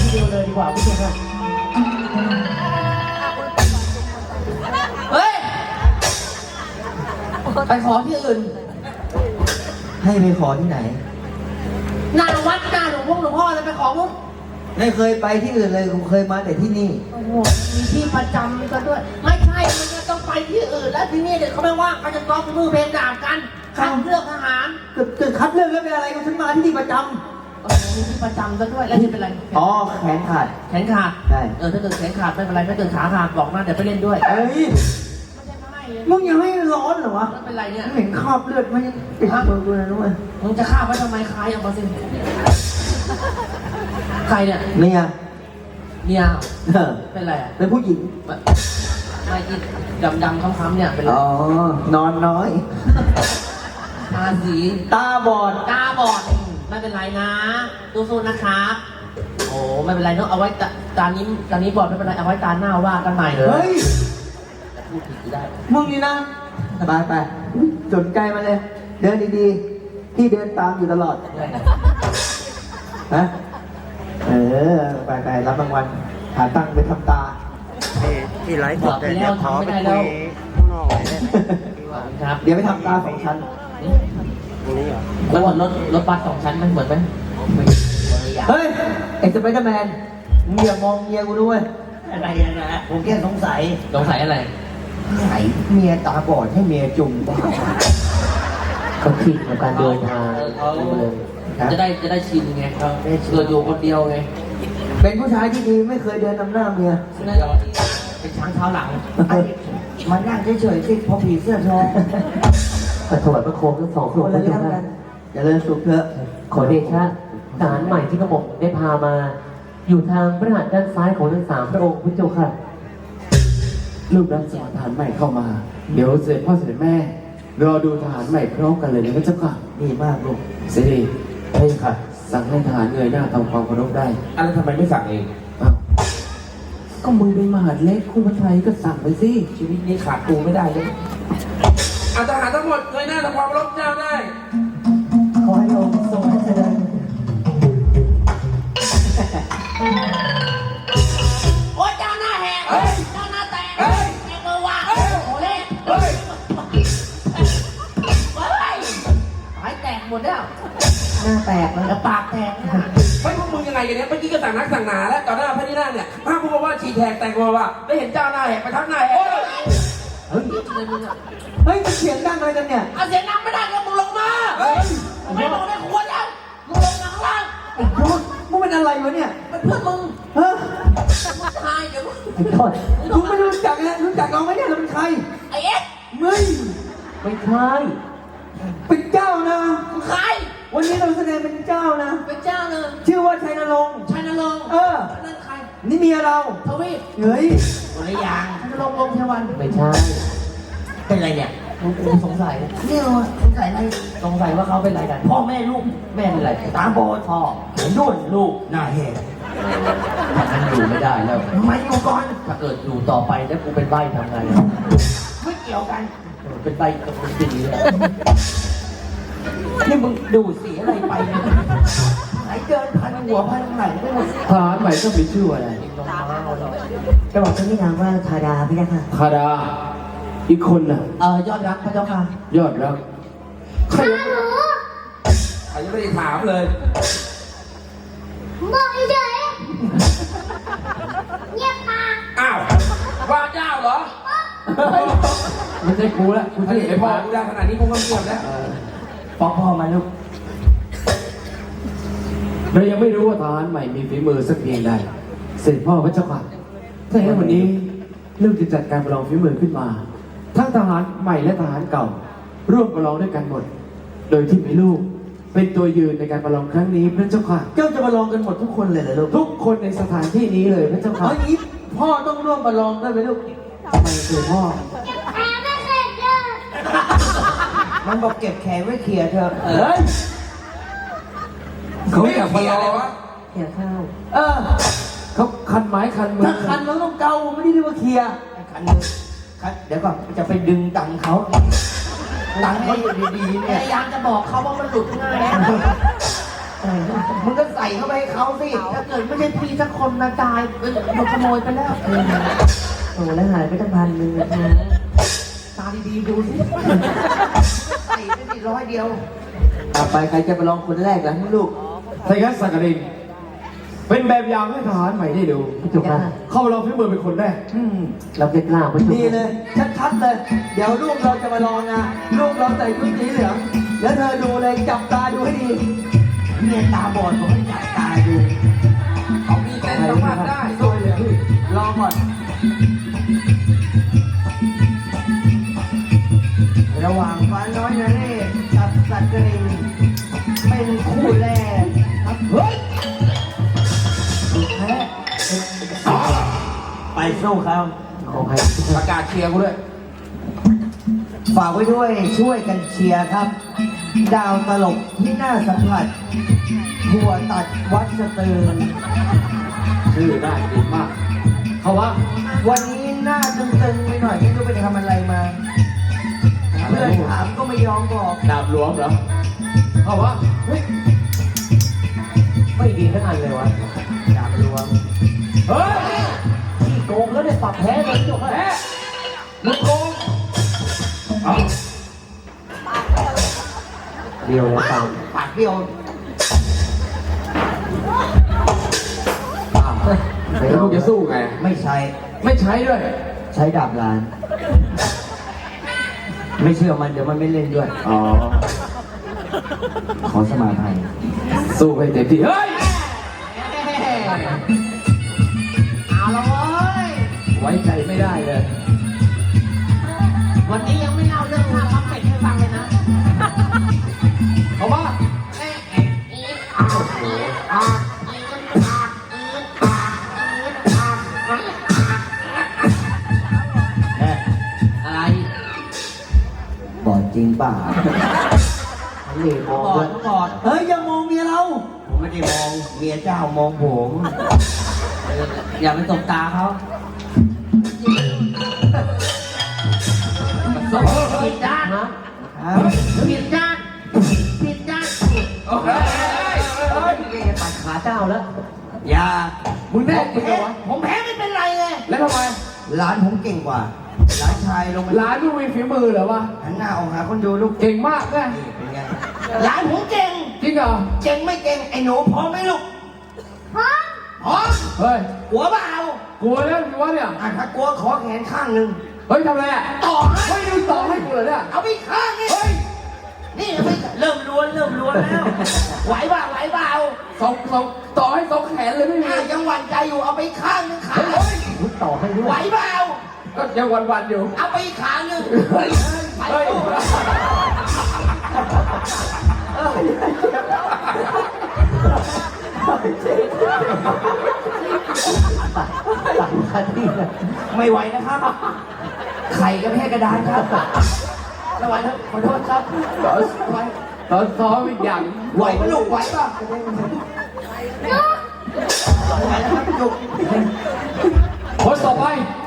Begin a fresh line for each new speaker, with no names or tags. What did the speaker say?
เดียวเลยดีกว่าพี่เจ้าค่ะเฮ้ยไปขอที่อื่น
ให้ไปขอที่ไหน
หน้าวัดหน้าหลวงพ่อเลยไปขอมุก
ไม่เคยไปที่อื่นเลยกูเคยมาแต่ที่นี่
โอ้โหมีที่ประจำกันด้วยไม่ใช่มันจะต้องไปที่อื่นแล้วที่นี่เด็กเขาไม่ว่างเขาจะต้องมือเพลงด่ากันคัดเลือกทหาร
เกิดคัดเลือกแล้วเป็นอะไรกันฉันมาที่นี่ประจ
ำมีที่ประจำกันด้วยแล้วนี่เป็นไร
อ๋อแขนขาด
แขนขาด
ใช่
ถ้าเกิดแขนขาดไม่เป็นไรถ้าเกิดขาขาดบอกนะเดี๋ยวไปเล่นด้วย
เอ้ยมึงยังไม่ร้อนเหรอวะ
ไม่เป็นไรเนี่ย
เห็นคราบเลือดมันยังติดมือกูเลยด้วย
มึงจะฆ่าไว้ทำไมคายเอามาสิใครเนี่ย
เมีย
เป็นไร
เป็นผู้หญิง
ไม่กินดำค้ำๆเนี่ยเป็น
อ๋อนอนน้อย
ตาสี
ตาบอด
ไม่เป็นไรนะสู้ๆนะครับโอ้ไม่เป็นไรเนาะเอาไว้ตานี้บอดไม่เป็นไรเอาไว้ตาหน้าว่ากันใหม่เลย
เฮ้ย
พูดถึงได้
มึงนี่นะไปสนใจมาเลยเดินดีๆที่เดินตามอยู่ตลอดฮะไปรับรางวัลหาตังค์ไปทำตา
ที่ไลฟ์สด
เนี่ยขอไปคุยข้างนอกครับ
เดี๋ยวไปทำตา2 ชั้น
นี่เหรอ
แล้วรถบัส2 ชั้นมันเหมือนไหม
เฮ้ยไอ้สไปเดอร์แมนมึงอย่ามองเมียกูด้วย
อะไรนะ
ผมแค่สงสัย
อะไร
ไหนเมียตาบอดให้เมียจุ่มบ้า
เขาคิดกับการเดินทางจะได้ชินไงเขาเกิดอยู่คนเดียวไง
เป็นผู้ชายที่ดีไม่เคยเดินนำหน้าเมีย
เป็นช้างเท้าหลัง
มันนั่งเฉยๆสิพอผีเสื้อทอง
แต่ถวายพระโคมทั้ง2 คน
แล้วกันอย่าเลยสุขเถอะ
ขอเดชะทหารใหม่ที่กระหม่อมได้พามาอยู่ทางพระหัตถ์ด้านซ้ายของทั้ง3 พระองค์พระเจ้าค่ะ
ลูกรับสอนทหารใหม่เข้ามาเดี๋ยวเสด็จพ่อเสด็จแม่รอดูทหารใหม่พร้อมกันเลยนะพระเจ้าค่ะ
ดีมากลูก
เสด็จใช่ค่ะสั่งให้ทหารเงยหน้าทำความเคารพได้
อะไรทำไมไม่สั่งเอง
ก็มึงเป็นมหาดเล็กคู่พระไทยก็สั่งไปสิ
ชีวิตนี้ขาดกูไม่ได้เลยทหารทั้งหมดเงยหน้าทำความเคารพเจ้าได้
ขอให้องค์ทรงพระเจริญ
โอ้ยเจ้าหน้าแหกเจ้าหน้าแตกแกเบอร์ว่าโอ้เล่หายแตกหมดแล้ว
หน้าแตก
แล้วปากแตก
ไม่พวกมึงยังไงกันเนี่ยเมื่อกี้ก็สั่งนักสั่งหนาแล้วต่อหน้าพระที่นั่งเนี่ยถ้าพูดว่าฉีแทกแตกมาว่าได้เห็นเจ้าหน้าแหกไปทั้งหน้าแหก
เฮ้ยมันเสียงดังอะไรกันเนี่ย
เสียงดังไม่ได้ก็มึงลงมาไม่ลงได้ควรแล้วมึงลงมาข้างล่าง
มึงเป็นอะไรวะเนี่ย
เป็นเพื่อนมึง
มึง
ตายเดี๋ยวมึง
ไม่รู้จักนะรู้จักเราไหมเนี่ยเราเป็นใคร
ไอ้เอ็ก
มึง
ไม่ใช่
เป็นเจ้านะ
ใคร
วันนี้เราแสดงเป็นเจ้านะ
เป็นเจ้าเลย
ชื่อว่าชัยนรงค์
นั่นใคร
นี่เมียเรา
ทวีป
เฮ้ย
อะไรอย่างชัยนรงค์วงเทวันไม่ใช่เป็นไรเนี่ยกูสงสัยเนี่ยสงสัยอะไรสงสัยว่าเขาเป็นอะไรกันพ่อแม่ลูกแม่เป็นอะไรตาบอดพ่อนุ่นลูกหน้าแหกมันอยู่ไม่ได้แล้วทำไมอยู่ก่อนถ้าเกิดอยู่ต่อไปแล้วกูเป็นใบ้ทำไงไม่เกี่ยวกันเป็นใบ้กับคนดีเลยนี่มึงดูสีอะไรไปเนี่ยไหนเกินพันหัวพันไหนไม่หมด
ทหารใหม่ต้องมีชื่ออะไร
จะบอกชื่อนี่นามว่าธาดาพี่นะคะ
ธาดาอีกคนน่ะ
ยอดรักพระเจ้าค่ะ
ยอดรัก
ใคร
ยังไม่ได้ถามเลย
บอกเฉยเงียบปาก
อ้าวว่าเจ้าเหรอ
ไม่ใช่กูแล้ว
กูจะเห็นพ่อกูได้ขนาดนี้กูก็เงียบแล้ว
ฟ้องพ่อมาลูก
เรายังไม่รู้ว่าทหารใหม่มีฝีมือสักเพียงใดเสด็จพ่อพระเจ้าค่ะถ้าอย่างนั้นวันนี้เรื่องจะจัดการประลองฝีมือขึ้นมาทั้งทหารใหม่และทหารเก่าร่วมประลองด้วยกันหมดโดยที่มีลูกเป็นตัวยืนในการประลองครั้งนี้พระเจ้าค่ะ
เจ้าจะประลองกันหมดทุกคนเลยเหรอลูก
ทุกคนในสถานที่นี้เลยพระเจ้าค่ะ
อย่างนี้พ่อต้องร่วมประลองด้วยไหมลูก
ทำไมคือพ่อ
แพ้ไม่เสร็จเลย
มันบอกเก็บแขนไว้เคลียร์เถอะ
เขาอยากประลอง
เคลียร์ข้าว
เขาคันไม้คันมือ
ถ้าคันมันต้องเกาไม่ได้เรียกว่าเคลียร์คันมือเดี๋ยวก่อนจะไปดึงตังเขาตังให้ดีๆเนี่ย
พยายามจะบอกเขาว่ามันหลุดง่ายมึงก็ใส่เข้าไปให้เขาสิถ้าเกิดไม่ใช่พี่สักคนนะตายโดนขโมยไปแล้วโอ้แล้วหายไปตั้ง1,000นะตาดีๆดูสิใส่ไปสิ100เดียว
ต่อไปใครจะไปลองคนแรกล่ะลูก
ถ้าอย่างนั้นสักกรินเป็นแบบอย่างให้ทหารใหม่ได้ดู
จุกค่ะ
เข้ามาลองฝีมือเป็นคนแรก
เราเก็บกล้าไปดีเลย ชัดๆเลย เดี๋ยวลูกเราจะมาลองนะลูกเราใส่ชุดสีเหลืองแล้วเธอดูเลยจับตาดูให้ดี
เมียตาบอดผมให้จับตาดู
เขามีแต่สัมผัสได้
สวยเลยลองก่อน
ระหว่างฟ้าน้อยนเรศกับสัตว์กรินเป็นคู่แรกครับเฮ้ยแพ้ไปสู้เขา
ของใคร
ประกาศเชียร์กูด้วย
ฝากไว้ด้วยช่วยกันเชียร์ครับ ดาวตลกที่น่าสัมผัสหัวตัดวัดสเตือน
ชื่อได้ดีมาก เขาว่า
วันนี้หน้าตึงๆไปหน่อยไม่รู้ไปทำอะไรมาเพื่อนถามก็ไม่ยอมบอก
ดาบหลวงเหรอ เขาว่าเฮ้ย
ไม่ดีทั้งอันเลยวะดาบหลวง
เฮ้ย
ที่โกงแล้วได้ปรับแพ้เลยจบ
แพ้
แล้ว
มึงโกงเอา
เดียวเลยตาม
ปากเดียว
แล้วมึงจะสู้ไง
ไม่ใช่
ไม่ใช้ด้วย
ใช้ดาบลาน ไม่เชื่อมันเดี๋ยวมันไม่เล่นด้วย
อ๋อ
ขอสมาภัย
สู้ให้เต็มที่ เฮ้ย
เอาละเว้ย
ไว้ใจไม่ได้เลย
วันนี้ยังไม่เล่าเรื่องข้าวพับเป็ดให้ฟังเลยนะ
เขาว่า
อะไรบอดจริงเปล่าเหล่มองด้วยบอดเฮ้ยอย่ามองเมียเรา ผมไม่ได้มองเมียเจ้ามองผมอย่าไปตบตาเขาผิดด้านนะผิดด้านผิดด้าน
เฮ้ย
ตัดขาเจ้าแล้ว อย่า
มึงแน่จริงเหรอวะ
ผมแพ้ไม่เป็นไรไง
แล้วทำไม
ร้านผมเก่งกว่าร้านชายลงไป
ร้านมึงมีฝีมือเหรอวะ
หันหน้าออกหาคนดูลูก
เก่งมากนะ
นี่เป็นไงร้านผมเก่ง
จริงเหรอ
เก่งไม่เก่งไอ้หนูพร้อมไหมลูกพร้อมพร้อม
เฮ้ย
หัวเปล่าก
ลัวแล้วสิวะเนี่ย
ถ้ากลัวขอแขนข้างหนึ่ง
เฮ้ยทำอะไรอ่ะ
ต่อให้
เฮ้ยดูต่อให้กูเหรอเนี่ย
เอาไปข้างนี่
เฮ้ย
นี่เอาไปเริ่มล้วนแล้วไหวเปล่าไหวเปล่า
สองต่อให้สองแขนเลยไม่มี
ยังหวั่นใจอยู่เอาไปข้างหนึงขา
เฮ้ย
ต่อให้ด้วย
ไหวเปล่า
ก็ยังวันๆอยู่
เอาไปอีกขาหนึ่ง
เฮ้ย
ไป
เฮ้ย
สู้ ไม่ไหวนะครับ ไข่ก็แค่กระดานครับไม่ไหวครับขอโทษครับ
ตอนซ้อมอีกอย่าง
ไหวปะลูกไหวปะไหวนะครับจุก
คนต่อไป